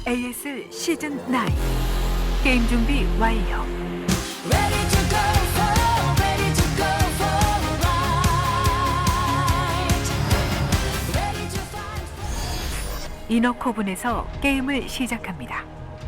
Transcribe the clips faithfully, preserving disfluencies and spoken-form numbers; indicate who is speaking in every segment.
Speaker 1: 에이에스 시즌 나인 게임 준비 완료.
Speaker 2: Ready to go for, ready to go for a ride. Ready to find.
Speaker 1: 이너코븐에서 게임을 시작합니다.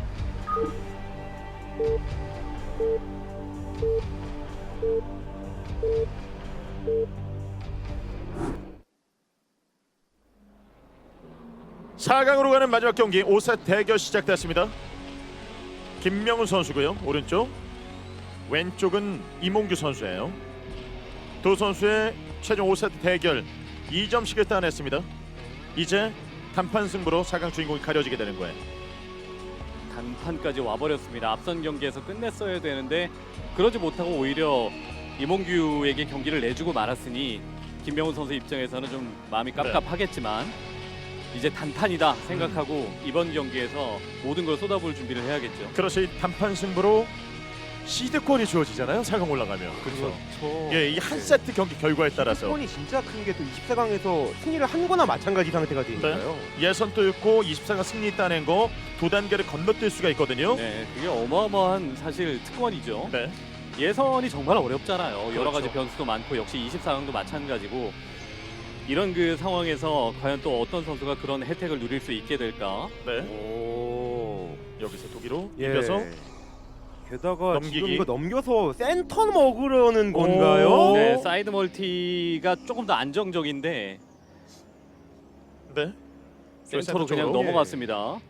Speaker 3: 사 강으로 가는 마지막 경기 오 세트 대결 시작됐습니다. 김명훈 선수고요. 오른쪽, 왼쪽은 이몽규 선수예요. 두 선수의 최종 오 세트 대결 이 점씩을 따냈습니다. 이제 단판 승부로 사 강 주인공이 가려지게 되는 거예요.
Speaker 4: 단판까지 와버렸습니다. 앞선 경기에서 끝냈어야 되는데 그러지 못하고 오히려 이몽규에게 경기를 내주고 말았으니 김명훈 선수 입장에서는 좀 마음이 깝깝하겠지만 이제 단판이다 생각하고 음. 이번 경기에서 모든 걸 쏟아부을 준비를 해야겠죠.
Speaker 3: 그렇지, 단판 승부로 시드권이 주어지잖아요. 사 강 올라가면.
Speaker 5: 그렇죠.
Speaker 3: 예, 이 한 세트 경기 결과에 따라서
Speaker 5: 시드권이 진짜 큰 게 또 이십사 강에서 승리를 한 거나 마찬가지 상태가 되니까요.
Speaker 3: 예선도 있고 이십사 강 승리 따낸 거 두 단계를 건너뛸 수가 있거든요.
Speaker 4: 네, 그게 어마어마한 사실 특권이죠.
Speaker 3: 네.
Speaker 4: 예선이 정말 어렵잖아요.
Speaker 3: 그렇죠.
Speaker 4: 여러 가지 변수도 많고 역시 이십사 강도 마찬가지고 이런 그 상황에서 과연 또 어떤 선수가 그런 혜택을 누릴 수 있게 될까?
Speaker 3: 네.
Speaker 5: 오.
Speaker 3: 여기서 독일로
Speaker 5: 예.
Speaker 3: 이겨서
Speaker 5: 게다가
Speaker 3: 넘기기.
Speaker 5: 지금 이거 넘겨서 센터 먹으려는 건가요?
Speaker 4: 네, 사이드 멀티가 조금 더 안정적인데
Speaker 3: 네.
Speaker 4: 센터로 그냥
Speaker 3: 쪽으로.
Speaker 4: 넘어갔습니다.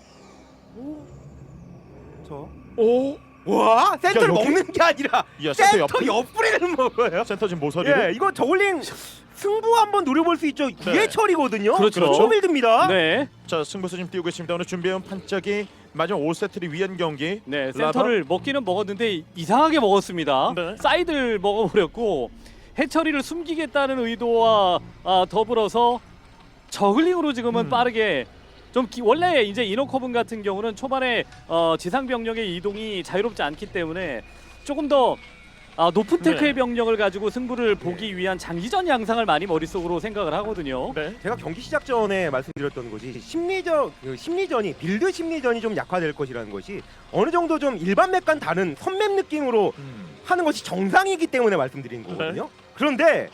Speaker 5: 저.
Speaker 3: 오.
Speaker 5: 와, 센터를
Speaker 3: 여기?
Speaker 5: 먹는 게 아니라
Speaker 3: 야, 센터
Speaker 5: 센터
Speaker 3: 옆
Speaker 5: 옆구리를 먹어요.
Speaker 3: 센터 지금 모서리를.
Speaker 5: 예, 이거 저울링 승부 한번 노려볼 수 있죠. 구회철이거든요.
Speaker 4: 그렇죠.
Speaker 5: 초빌드입니다.
Speaker 4: 네,
Speaker 3: 자, 승부수 지금 띄우고 있습니다. 오늘 준비해온 판짝이 마지막 오 세트를 위한 경기.
Speaker 4: 네,
Speaker 3: 라바?
Speaker 4: 센터를 먹기는 먹었는데 이상하게 먹었습니다.
Speaker 3: 네.
Speaker 4: 사이드를 먹어버렸고 해처리를 숨기겠다는 의도와 아, 더불어서 저글링으로 지금은
Speaker 3: 음.
Speaker 4: 빠르게 좀 기, 원래 이제 이노커븐 같은 경우는 초반에 어, 지상 병력의 이동이 자유롭지 않기 때문에 조금 더 아, 높은 테크의
Speaker 3: 네.
Speaker 4: 병력을 가지고 승부를 보기 위한 장기전 양상을 많이 머릿속으로 생각을 하거든요.
Speaker 3: 네.
Speaker 5: 제가 경기 시작 전에 말씀드렸던 것이 심리전 그 심리전이 빌드 심리전이 좀 약화될 것이라는 것이 어느 정도 좀 일반 맵과는 다른 선맵 느낌으로
Speaker 3: 음.
Speaker 5: 하는 것이 정상이기 때문에 말씀드린 거거든요. 그런데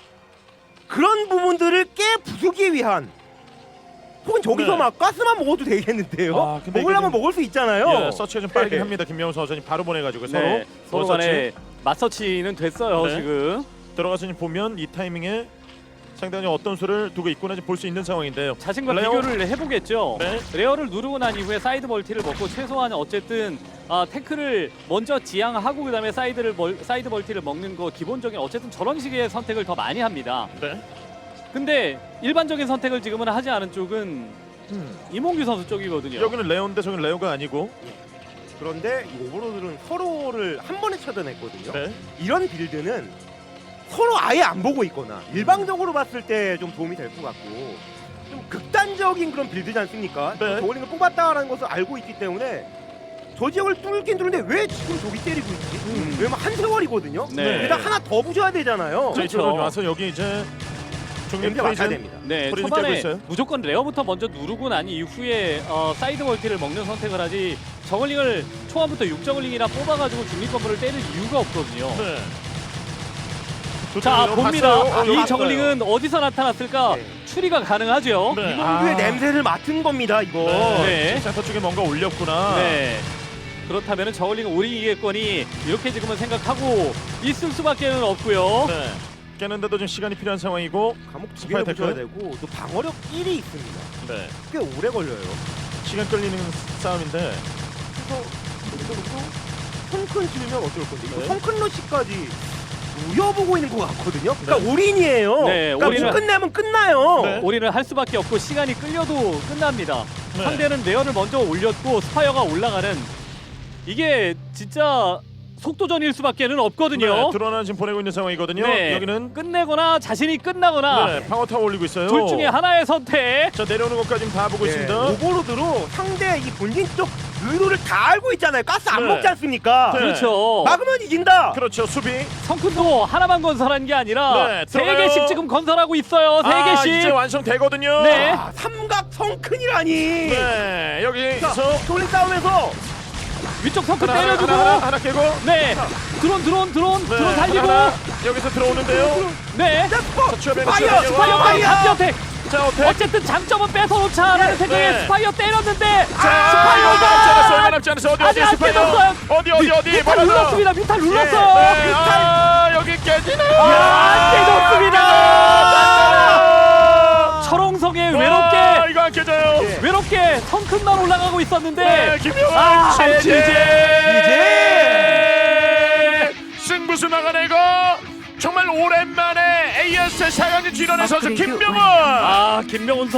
Speaker 5: 그런 부분들을 깨 부수기 위한 혹은 저기서
Speaker 3: 네.
Speaker 5: 막 가스만 먹어도 되겠는데요.
Speaker 3: 아, 근데
Speaker 5: 먹으려면
Speaker 3: 이게 좀-
Speaker 5: 먹을 수 있잖아요.
Speaker 3: 예, 서치가 좀 빠르긴
Speaker 5: 네.
Speaker 3: 합니다. 김명훈 선수님 바로 보내가지고 서로
Speaker 4: 네, 서로
Speaker 3: 서치.
Speaker 4: 간에 맞서치는 됐어요.
Speaker 3: 네.
Speaker 4: 지금
Speaker 3: 들어가서 지금 보면 이 타이밍에 상당히 어떤 수를 두고 있구나 볼 수 있는 상황인데요.
Speaker 4: 자신과
Speaker 3: 레어?
Speaker 4: 비교를 해보겠죠.
Speaker 3: 네.
Speaker 4: 레어를 누르고 난 이후에 사이드 멀티를 먹고 최소한 어쨌든 아, 태클을 먼저 지향하고 그다음에 사이드를 멀, 사이드 멀티를 먹는 거 기본적인 어쨌든 저런 식의 선택을 더 많이 합니다.
Speaker 3: 네.
Speaker 4: 근데 일반적인 선택을 지금은 하지 않은 쪽은
Speaker 3: 음.
Speaker 4: 이몽규 선수 쪽이거든요.
Speaker 3: 여기는 레오인데 저기는 레오가 아니고.
Speaker 5: 그런데 이 오버로드는 서로를 한 번에 차단했거든요.
Speaker 3: 네.
Speaker 5: 이런 빌드는 서로 아예 안 보고 있거나 일방적으로 봤을 때 좀 도움이 될 것 같고 좀 극단적인 그런 빌드지 않습니까?
Speaker 3: 네.
Speaker 5: 저울링을 뽑았다라는 것을 알고 있기 때문에 저 지역을 뚫긴 뚫는데 왜 지금 저기 때리고 있지?
Speaker 3: 음.
Speaker 5: 왜냐면 한 세월이거든요.
Speaker 4: 네.
Speaker 5: 게다가 하나 더 부셔야 되잖아요.
Speaker 3: 자, 이쪽으로 와서 여기 이제 중립
Speaker 5: 냄새 맡아야
Speaker 3: 프리즌.
Speaker 5: 됩니다.
Speaker 4: 네,
Speaker 3: 소리
Speaker 4: 초반에
Speaker 3: 느끼고 있어요.
Speaker 4: 무조건 레어부터 먼저 누르고 난 이후에 어, 사이드 멀티를 먹는 선택을 하지 저글링을 초반부터 육 저글링이나 뽑아가지고 중립 건물을 때릴 이유가 없거든요.
Speaker 3: 네.
Speaker 4: 자,
Speaker 3: 두
Speaker 4: 봅니다.
Speaker 3: 봤어요. 어,
Speaker 4: 이
Speaker 3: 봤어요.
Speaker 4: 저글링은 어디서 나타났을까?
Speaker 5: 네.
Speaker 4: 추리가 가능하죠.
Speaker 3: 네.
Speaker 5: 이몽규의
Speaker 3: 아.
Speaker 5: 냄새를 맡은 겁니다. 이거.
Speaker 3: 네.
Speaker 4: 네.
Speaker 3: 센터 쪽에 뭔가 올렸구나.
Speaker 4: 네. 그렇다면 저글링은 오리이겠거니 이렇게 지금은 생각하고 있을 수밖에는 없고요.
Speaker 3: 네. 깨는데도 좀 시간이 필요한 상황이고.
Speaker 5: 감옥 두
Speaker 3: 스파이
Speaker 5: 개를 부셔야
Speaker 3: 태클.
Speaker 5: 되고 또 방어력 일이 있습니다.
Speaker 3: 네.
Speaker 5: 꽤 오래 걸려요.
Speaker 3: 시간 끌리는 싸움인데.
Speaker 5: 그래서 여기서 놓고 성큰 지으면 어떨 건데 이거
Speaker 3: 네.
Speaker 5: 성큰 러시까지 우여보고 있는 것 같거든요. 그러니까 올인이에요.
Speaker 4: 네,
Speaker 5: 그러니까
Speaker 4: 올인을-
Speaker 5: 못 끝내면 끝나요.
Speaker 3: 네.
Speaker 4: 올인을 할 수밖에 없고 시간이 끌려도 끝납니다.
Speaker 3: 네.
Speaker 4: 상대는 레어를 먼저 올렸고 스파이어가 올라가는 이게 진짜 속도전일 수밖에는 없거든요.
Speaker 3: 네, 드러나 지금 보내고 있는 상황이거든요.
Speaker 4: 네.
Speaker 3: 여기는
Speaker 4: 끝내거나 자신이 끝나거나
Speaker 3: 네, 방어 타워 올리고 있어요.
Speaker 4: 둘 중에 하나의 선택.
Speaker 3: 자, 내려오는 것까지 다 보고
Speaker 5: 네,
Speaker 3: 있습니다.
Speaker 5: 오버로드로 상대 이 본진 쪽 의도를 다 알고 있잖아요. 가스 안
Speaker 3: 네.
Speaker 5: 먹지 않습니까?
Speaker 3: 네.
Speaker 4: 그렇죠.
Speaker 5: 막으면 이긴다.
Speaker 3: 그렇죠. 수비.
Speaker 4: 성큰도 하나만 건설한 게 아니라
Speaker 3: 네,
Speaker 4: 세
Speaker 3: 들어가요.
Speaker 4: 개씩 지금 건설하고 있어요. 세
Speaker 3: 아,
Speaker 4: 개씩.
Speaker 3: 이제 완성되거든요.
Speaker 4: 네.
Speaker 5: 아, 삼각 성큰이라니.
Speaker 3: 네,
Speaker 5: 자,
Speaker 3: 여기서
Speaker 5: 돌린 싸움에서
Speaker 4: 위쪽 성큰
Speaker 3: 하나, 하나,
Speaker 4: 때려주고
Speaker 3: 하나, 하나 깨고.
Speaker 4: 네 드론 드론 드론
Speaker 3: 네,
Speaker 4: 드론 살리고
Speaker 3: 하나, 하나. 여기서 들어오는데요.
Speaker 4: 네
Speaker 3: 자, 추가되는
Speaker 5: 파이어,
Speaker 3: 추가되는
Speaker 4: 스파이어까지
Speaker 5: 파이어!
Speaker 4: 잡기 어택
Speaker 3: 자, 어택.
Speaker 4: 어쨌든 장점은 뺏어놓자라는
Speaker 5: 네,
Speaker 4: 생각에
Speaker 3: 네.
Speaker 4: 스파이어 때렸는데
Speaker 3: 자, 이거 남지 않았어. 이거 남지 않았어. 어디 어디
Speaker 4: 아직 안
Speaker 3: 스파이어?
Speaker 4: 깨졌어요.
Speaker 3: 어디 어디 어디?
Speaker 4: 미탈
Speaker 3: 뭐라도.
Speaker 4: 눌렀습니다 미탈
Speaker 3: 네,
Speaker 4: 눌렀어
Speaker 3: 아, 여기 깨지네요.
Speaker 4: 안 깨졌습니다.
Speaker 3: 아,
Speaker 4: 철옹성에
Speaker 3: 와,
Speaker 4: 외롭게
Speaker 3: 이거 안 깨져요.
Speaker 5: 예.
Speaker 4: 외롭게 성큰만 올라가고 있었는데
Speaker 3: 네, 김명훈
Speaker 4: 아,
Speaker 3: 제제
Speaker 5: 이제
Speaker 3: 승부수 막아내고 정말 오랜만에 에이에스 사 강전 진원의 선수
Speaker 1: 업그레이드
Speaker 3: 김명훈.
Speaker 1: 완료.
Speaker 4: 아 김명훈